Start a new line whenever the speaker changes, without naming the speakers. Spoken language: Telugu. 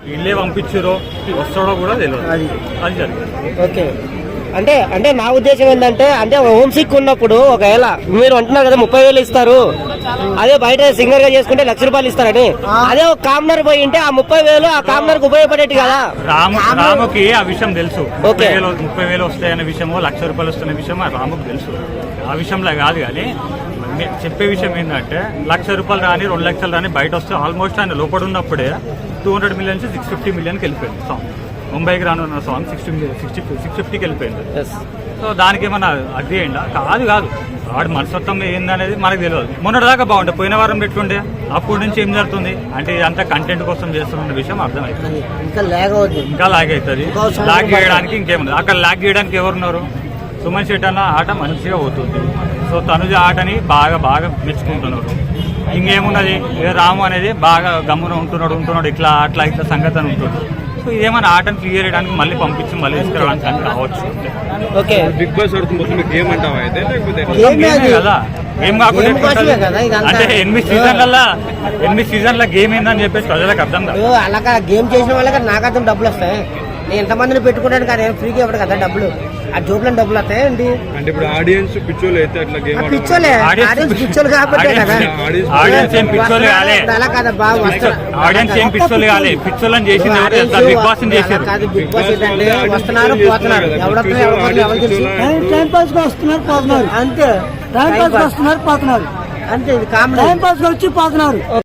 ఇల్లే పంపించారో వస్తాడో కూడా తెలియదు. అది జరిగింది.
ఓకే, అంటే అంటే నా ఉద్దేశం ఏంటంటే, అంటే హోమ్ సిక్ ఉన్నప్పుడు ఒకవేళ మీరు అంటున్నారు కదా 30,000 ఇస్తారు, అదే బయట సింగర్ గా చేసుకుంటే ₹1,00,000 ఇస్తారని, అదే ఒక కామనర్ పోయి ఉంటే ఆ 30,000 ఆ కామనర్ కు ఉపయోగపడేది కదా.
రాముకి ఆ విషయం తెలుసు. 30,000 వస్తాయనే విషయం, ₹1,00,000 వస్తున్న విషయం రాముకు తెలుసు. ఆ విషయంలో కాదు. కానీ చెప్పే విషయం ఏంటంటే, ₹1,00,000 రాని 2,00,000 రాని బయట వస్తే ఆల్మోస్ట్ ఆయన లోపల ఉన్నప్పుడే 200 million నుంచి 650 million వెళ్ళిపోయింది సాంగ్. ముంబైకి రానున్న సాంగ్ 650కి వెళ్ళిపోయింది. సో దానికి ఏమన్నా అది ఏంటా? కాదు వాడు మనస్తత్వం ఏందనేది మనకు తెలియదు. మొన్నటిదాకా బాగుంటే పోయిన వారం పెట్టుండే, అప్పటి నుంచి ఏం జరుగుతుంది అంటే అంత కంటెంట్ కోసం చేస్తున్న విషయం అర్థమవుతుంది. ఇంకా లాగ్ అవుతుంది. లాగ్ చేయడానికి ఇంకేముంది అక్కడ? లాగ్ చేయడానికి ఎవరున్నారు? సుమన్ శెట్టి అన్న ఆట మంచిగా పోతుంది. సో తనుజ ఆటని బాగా మెచ్చుకుంటున్నారు. ఇంకేమున్నది, రాము అనేది బాగా గమ్మున ఉంటున్నాడు ఇట్లా సంగతి అని ఉంటున్నాడు. సో ఇదేమన్నా ఆటను క్లియర్ చేయడానికి మళ్ళీ పంపించి మళ్ళీ తీసుకురావడానికి అని కావచ్చు.
ఓకే,
బిగ్ బాస్ గేమ్ అంటావా అయితే?
కదా గేమ్ కాకుండా అంటే 8 సీజన్ల గేమ్ ఏందని చెప్పేసి ప్రజలకు అర్థం కాదు.
అలాగా గేమ్ చేసిన వాళ్ళకి నాకు అర్థం డబ్బులు వస్తాయి. నేను ఎంతమందిని పెట్టుకుంటాను కదా, ఫ్రీగా ఇవ్వడు కదా డబ్బులు. ఆ జోబులో డబ్బులు వస్తాయండి.
అంటే ఇప్పుడు ఆడియన్స్ పిచ్చోళ్ళు అయితే అట్లా గేమ్
పిచ్చోళ్ళు కాబట్టి
ఆడియన్స్ ఏం పిచ్చోళ్ళు కాలే.
అలా కదా బాగా
ఆడియన్స్ ఏం పిచ్చోళ్ళు కాలే. పిచ్చోళ్ళని చేసింది బిగ్ బాస్
కాదు. బిగ్ బాస్ ఏంటంటే వస్తున్నారు పోతున్నారు, ఎవరు తెలుసు. టైం పాస్ గా వస్తున్నారు పోతున్నారు అంతే. టైం పాస్ వస్తున్నారు పోతున్నారు అంతే. ఇది కామన్. టైం పాస్ వచ్చి పోతున్నారు.